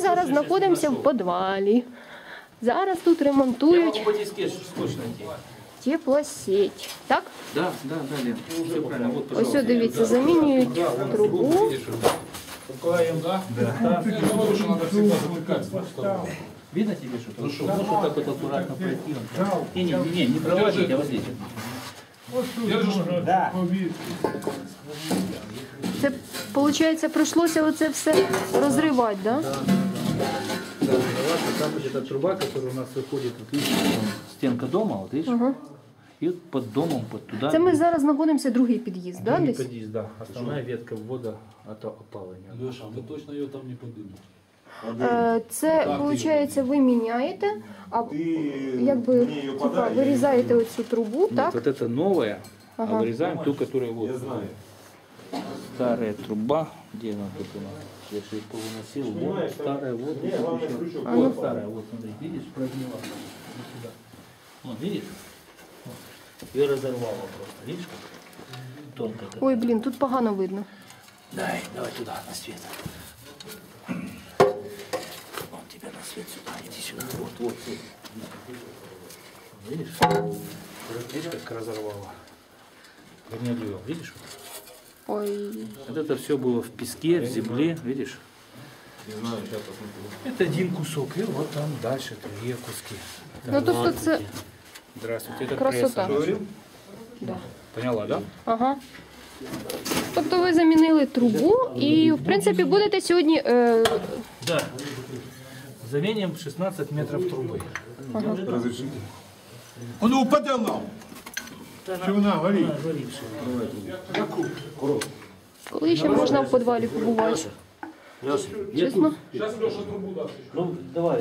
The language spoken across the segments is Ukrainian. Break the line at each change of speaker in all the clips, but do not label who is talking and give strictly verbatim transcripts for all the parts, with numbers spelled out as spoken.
зараз знаходимося в підвалі. Зараз тут ремонтують теплосеть. Так?
Да, да, да, Лен. Все правильно. Вот,
Ось, ось, дивіться, замінюють трубу.
Да. Да. Видно тебе что-то? Ну что, можешь вот так вот аккуратно пройти? Не, не, не, не проводить, а вот здесь.
Да.
Це, виходить, прийшлося оце все розривати, да?
Да. Да, там вот эта труба, которая у нас выходит, вот видишь, стенка дома, вот видишь?
Ага.
И вот под домом, под туда.
Це ми зараз знаходимося, другий під'їзд, да, десь?
Подъезд, да. Основная ветка ввода от опаления.
Леша, ви точно його там не подимете?
Е, Це, виходить, ви міняєте, а якби типа, вирізаєте оцю трубу,
Нет,
так?
вот это новая,
Ага.
а вырезаем ту, которая вот.
Я знаю.
Старая труба, где она тут у нас? Я же ее повыносил. Вот старая, вот.
Не,
тут
главное,
еще.
крючок.
Вот старая, вот смотри, видишь, прогнила. Вот сюда. Вот, видишь? Вот. Ее разорвало просто, видишь как? Тонко. как.
Ой, блін, тут погано видно.
Дай, давай туда, на свет. Вон тебя на свет сюда, иди сюда. Вот, вот, вот. Видишь? Видишь, как разорвало? Гнилью, видишь?
Ой.
Вот это все было в песке, в земле, видишь?
Не знаю, сейчас посмотрю.
Это один кусок, и вот там дальше другие куски. Это
Ну, тобто
ладно.
це
Здравствуйте, это
красота.
пресса.
Да.
Поняла, да?
Ага. Тобто ви замінили трубу і, в принципі, будете сьогодні... Е...
Да. Заменим шестнадцать метров трубы.
Разрешите. Он упаде нам. Що вона горить?
Она горевшая.
Коли ще можна в підвалі побувати?
Леша, я
Чесно?
Зараз Леша трубу дасть.
Ну, давай.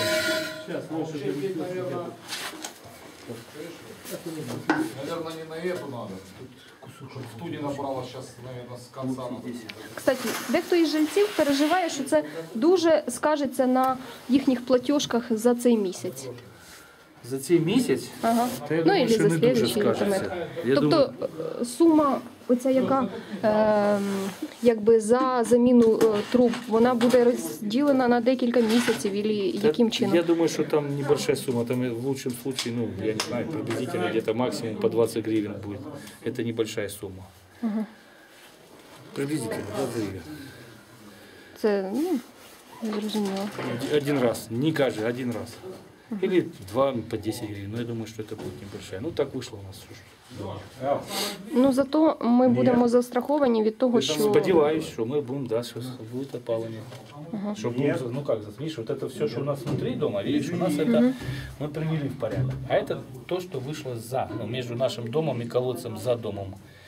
Наверное, не на эту надо. В ту не набрала сейчас, наверное, с конца надо.
Кстати, дехто із жильців переживає, що це дуже скажеться на їхніх платіжках за цей місяць.
За цей місяць?
Ага.
Та я
Ну,
думаю,
і
що
за
не дуже
слідуючий,
скажеться.
наприклад.
Я
Тобто
думаю,
е, сума, оця яка е, якби за заміну е, труб, вона буде розділена на декілька місяців, і
та-
яким чином?
Я думаю, что там небольшая сумма. Там в лучшем случае, ну, я не знаю, приблизительно где-то максимум по двадцать гривен будет. Это небольшая сумма.
Ага.
Приблизительно двадцать гривен.
Це, ну, зрозуміло.
Один раз, не каждый, один раз. Или два по десять гривен. Но я думаю, что это будет небольшая. Ну, так вышло у нас.
Ну, зато ми будемо застраховані від того, що...
Сподіваюсь, що ми будемо, да, що буде опалення. Що будем, ну как, видишь, вот это все, что у нас внутри дома, видишь, у нас это мы привели в порядок. А это то, что вышло за, ну, между нашим домом и колодцем за домом.